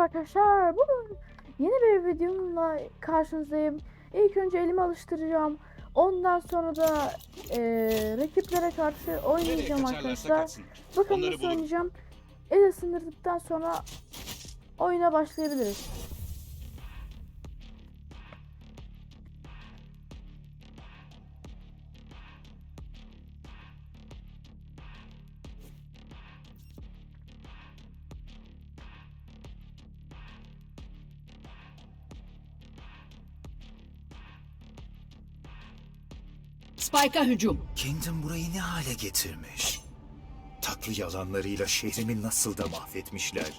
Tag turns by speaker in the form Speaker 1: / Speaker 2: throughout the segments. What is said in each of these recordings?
Speaker 1: arkadaşlar. Bugün yeni bir videomla karşınızdayım. İlk önce elimi alıştıracağım. Ondan sonra da rakiplere karşı oynayacağım arkadaşlar. Bakın nasıl oynayacağım. El ısındırdıktan sonra oyuna başlayabiliriz.
Speaker 2: Spike'a hücum.
Speaker 3: Kingdom burayı ne hale getirmiş? Tatlı yalanlarıyla şehrimi nasıl da mahvetmişler.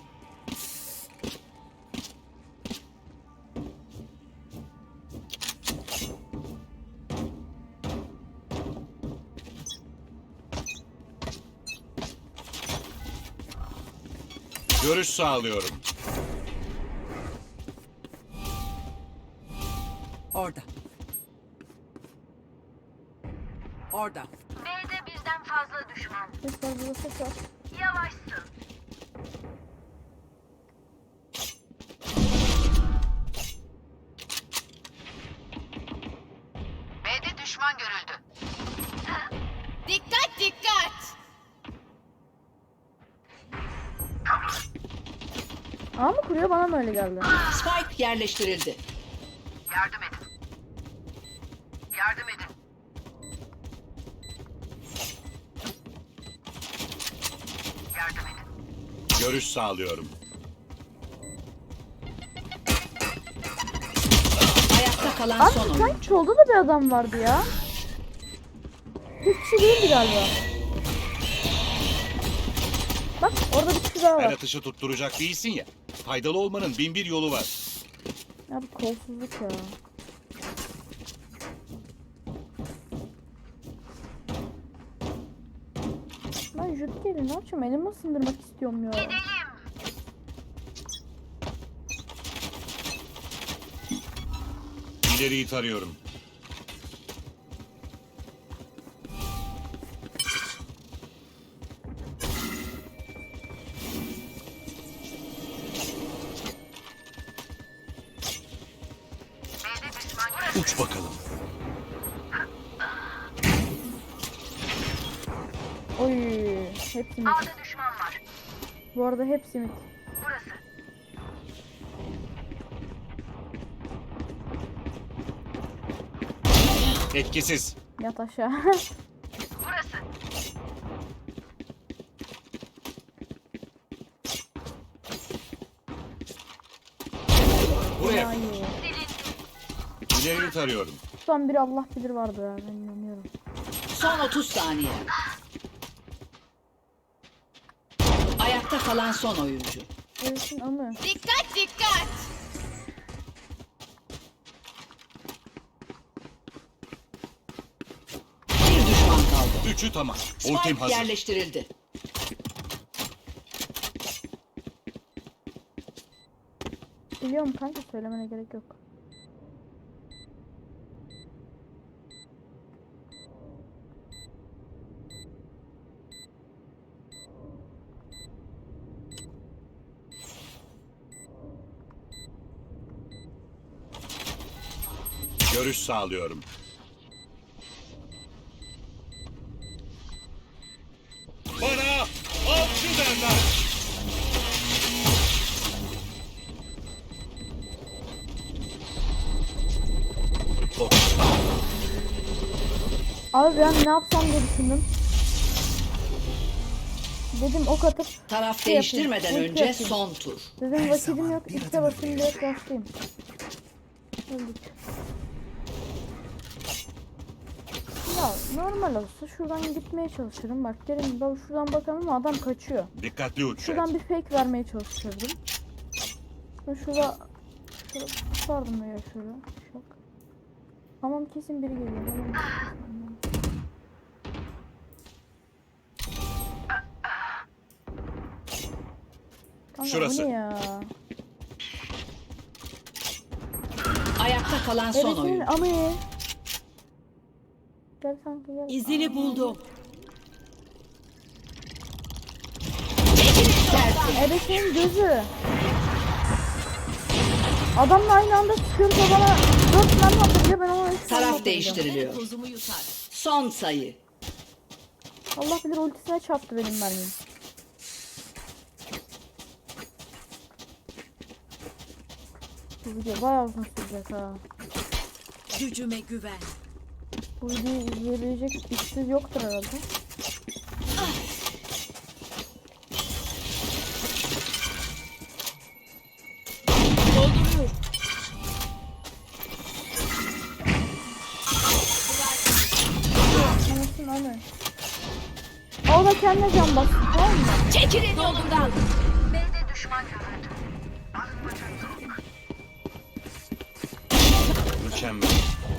Speaker 4: Görüş sağlıyorum.
Speaker 2: Orada. Orada.
Speaker 5: B'de birden fazla düşman.
Speaker 1: Ses var, burada ses var.
Speaker 5: Yavaşsın. B'de düşman görüldü.
Speaker 6: Dikkat dikkat.
Speaker 1: Ama mı kuruyor, bana mı öyle geldi?
Speaker 2: Spike yerleştirildi.
Speaker 5: Yardım edin. Yardım edin. Yardım edin.
Speaker 4: Görüş sağlıyorum.
Speaker 2: Ayakta kalan
Speaker 1: Abi
Speaker 2: son oyun.
Speaker 1: sanki solda da bir adam vardı ya. Hiç kişi değildi galiba. Bak orada bir kişi daha
Speaker 4: Her
Speaker 1: var.
Speaker 4: atışı tutturacak değilsin ya. Faydalı olmanın bin bir yolu var.
Speaker 1: Ya bu kolsuzluk ya. Ben Jütke'yle ne yapacağım? Elimi ısındırmak istiyorum ya.
Speaker 4: İleriyi tarıyorum.
Speaker 5: B'de düşman görüldü.
Speaker 3: Uç bakalım.
Speaker 1: Oy, hepsi mit.
Speaker 5: A'da düşman var.
Speaker 1: Bu arada hepsi mit.
Speaker 5: Burası.
Speaker 4: Etkisiz.
Speaker 1: Yat aşağı.
Speaker 5: Burası.
Speaker 4: Buraya.
Speaker 1: Ay.
Speaker 4: İleriyi tarıyorum.
Speaker 1: Son biri Allah bilir vardı ya, ben inanıyorum.
Speaker 2: Son 30 saniye. Ayakta kalan son oyuncu.
Speaker 1: Ölsün amı.
Speaker 6: Dikkat dikkat.
Speaker 2: Bir düşman kaldı.
Speaker 4: Üçü tamam. Ultim
Speaker 2: Spike
Speaker 4: hazır.
Speaker 2: yerleştirildi.
Speaker 1: Biliyorum kanka, söylemene gerek yok.
Speaker 4: Görüş sağlıyorum. Bana avcı derler.
Speaker 1: Abi ben ne yapsam diye düşündüm. Dedim ok atıp
Speaker 2: Taraf
Speaker 1: Şey
Speaker 2: değiştirmeden
Speaker 1: yapayım,
Speaker 2: önce
Speaker 1: yapayım.
Speaker 2: son tur.
Speaker 1: dedim vakitim yok, işte basayım direkt başlayayım. Öldük. Ya normal olsa şuradan gitmeye çalışırım. Bak derim ben şuradan bakalım ama adam kaçıyor.
Speaker 4: Dikkatli uç.
Speaker 1: Şuradan bir fake vermeye çalışırdım. Ben şurada tutardım ya şöyle. Şak. Tamam, kesin biri geliyor. Kanka,
Speaker 4: Şurası.
Speaker 1: bu ne ya?
Speaker 2: Ayakta kalan son
Speaker 1: Ebesin
Speaker 2: oyuncu.
Speaker 1: amı. Gel kanka gel.
Speaker 2: İzini buldum.
Speaker 1: Ebesin gözü. Adamla aynı anda sıkıyoruz o bana 4 mermi atınca ben ona 3 mermi
Speaker 2: Taraf
Speaker 1: atacağım.
Speaker 2: değiştiriliyor. Son sayı.
Speaker 1: Allah bilir ultisine çarptı benim mermim. Bu video bayağı uzun sürecek ha.
Speaker 6: Gücüme güven.
Speaker 1: Bu videoyu izleyebilecek işsiz yoktur herhalde.
Speaker 6: Dolduruyorum.
Speaker 1: Anasın aynen. O da kendine can bastı tamam mı?
Speaker 6: Çekilin yolumdan.
Speaker 5: B'de düşman görüldü. Arınmacı yok.
Speaker 4: Mükemmel.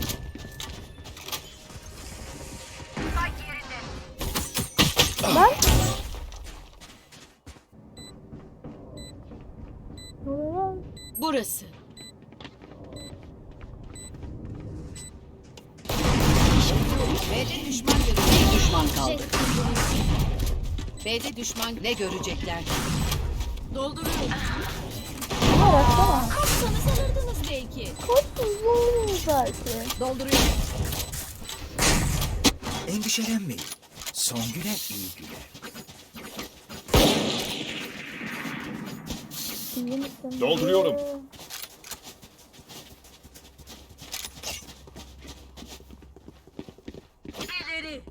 Speaker 5: Spike yerinde.
Speaker 1: Lan. Ne oluyor lan?
Speaker 6: Burası.
Speaker 2: B'de düşman görüldü. Bir düşman kaldı. B'de düşman ne görecekler?
Speaker 6: Dolduruyorum.
Speaker 1: Ne baksana.
Speaker 6: Kapsanız alırdınız belki.
Speaker 1: Korksuz olmuyor belki.
Speaker 2: Dolduruyorum.
Speaker 3: Endişelenmeyin. Son güne iyi güne.
Speaker 1: İyi misin?
Speaker 4: Dolduruyorum.
Speaker 6: İleri.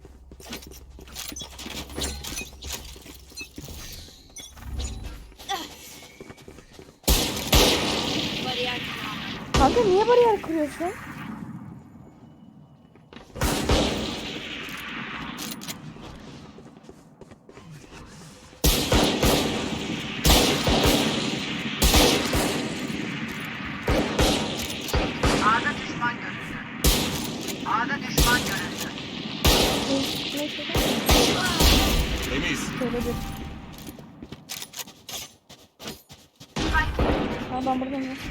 Speaker 6: Bariyer.
Speaker 1: Kanka niye bariyer kuruyorsun?
Speaker 5: A'da düşman görüldü. A'da düşman görüldü.
Speaker 1: Neyse.
Speaker 4: Temiz.
Speaker 1: Şöyle bir. Ha ben buradan ya.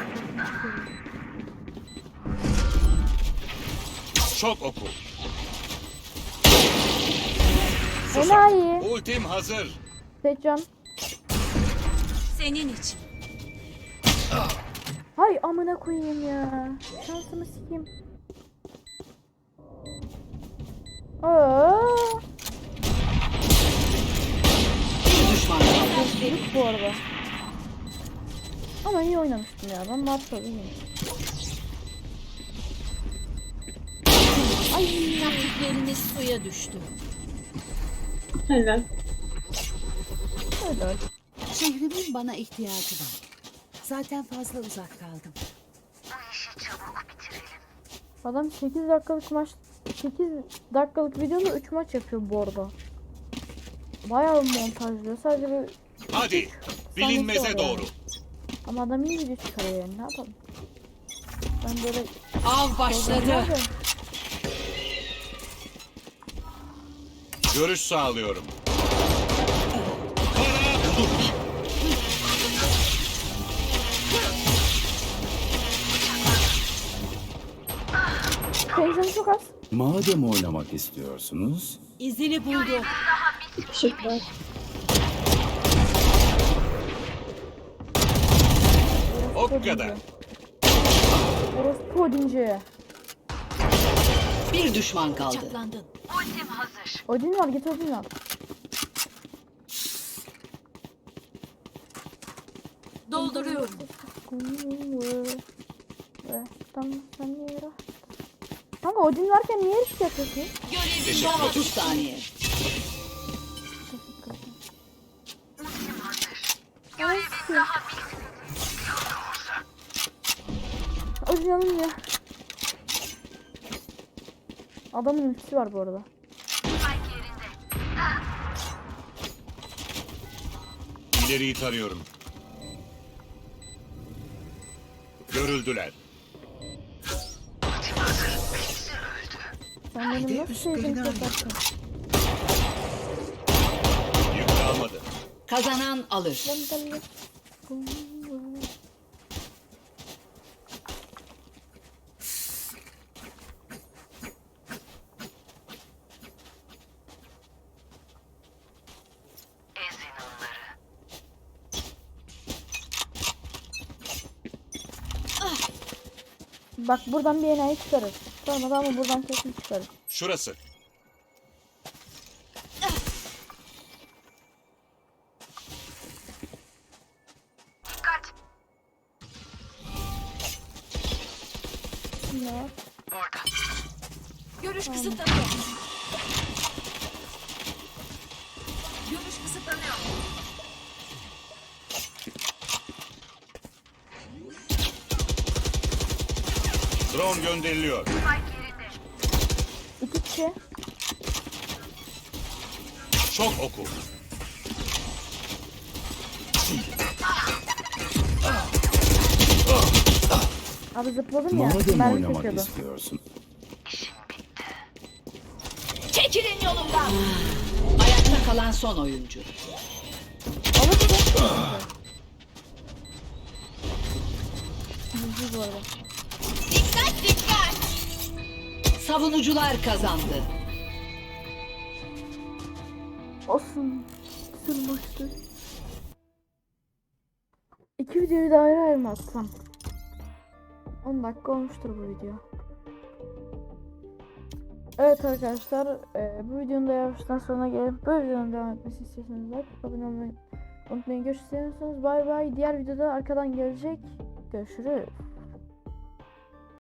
Speaker 4: Çok oku.
Speaker 1: Enayi.
Speaker 4: Ultim hazır.
Speaker 1: Seçcan.
Speaker 6: Senin için.
Speaker 1: Hay amına koyayım ya. Şansımı sikeyim. Aa,
Speaker 2: Bir düşman kaldı.
Speaker 1: delik bu arada. Ama iyi oynamıştım ya. Ben Marshall iyiyim. Ay.
Speaker 6: Taktikleriniz suya düştü.
Speaker 1: Öyle.
Speaker 7: Şehrimin bana ihtiyacı var. Zaten fazla uzak kaldım.
Speaker 5: Bu işi çabuk bitirelim.
Speaker 1: Adam 8 dakikalık maç 8 dakikalık videoda 3 maç yapıyor bu arada. Bayağı montajlıyor. Sadece bir
Speaker 4: Hadi. Bilinmeze
Speaker 1: Sahnesi var
Speaker 4: doğru.
Speaker 1: ama adam iyi video çıkarıyor yani ne yapalım. Ben böyle
Speaker 2: Av başladı.
Speaker 1: Nerede?
Speaker 4: Görüş sağlıyorum. Para dur.
Speaker 1: Tensiyon çok az.
Speaker 8: Madem oynamak istiyorsunuz,
Speaker 6: İzini buldu.
Speaker 4: O kadar.
Speaker 1: Orospu Odinci.
Speaker 2: Bir düşman kaldı.
Speaker 6: Çaklandın.
Speaker 5: Ultim hazır.
Speaker 1: Odin var git Odin al.
Speaker 6: Dolduruyorum.
Speaker 1: Kanka Odin varken niye risk yapıyorsun?
Speaker 6: Görevim
Speaker 2: Son
Speaker 6: var.
Speaker 2: 30 saniye.
Speaker 5: Ultim hazır.
Speaker 1: Odin alınmıyor. Adamın ultisi var bu arada.
Speaker 5: Spike yerinde.
Speaker 4: İleriyi tarıyorum. Görüldüler.
Speaker 1: Sen benim nasıl sevdiğimi yaparsın?
Speaker 4: Yük kalmadı.
Speaker 2: Kazanan alır.
Speaker 5: Ezin onları.
Speaker 1: Bak buradan bir enayi çıkarır. Sonra da ama buradan kesin çıkarır.
Speaker 4: Şurası.
Speaker 5: Dikkat.
Speaker 1: Ne var?
Speaker 5: Orada.
Speaker 6: Görüş kısıtlanıyor. Görüş kısıtlanıyor.
Speaker 4: Drone gönderiliyor.
Speaker 5: Spike yerinde.
Speaker 1: 2 kişi.
Speaker 4: Şok oku.
Speaker 1: Abi zıpladım ya.
Speaker 8: Madem
Speaker 1: Mermi
Speaker 8: oynamak
Speaker 1: çekiyordu.
Speaker 8: istiyorsun.
Speaker 6: Çekilin yolumdan.
Speaker 2: Ayakta kalan son oyuncu.
Speaker 1: Alırsın. Yüzü bu arada.
Speaker 6: Dikkat dikkat.
Speaker 2: Savunucular kazandı.
Speaker 1: Olsun. Sırmıştı. 2 videoyu da ayrı ayrı mı atsam? 10 dakika olmuştur bu video. Evet arkadaşlar, bu videonun da yavaştan sonuna gelip bu videonun devam etmesi istiyorsanız like, abone olmayı unutmayın. Görüşürüz. Bay bay. Diğer videoda arkadan gelecek. Görüşürüz.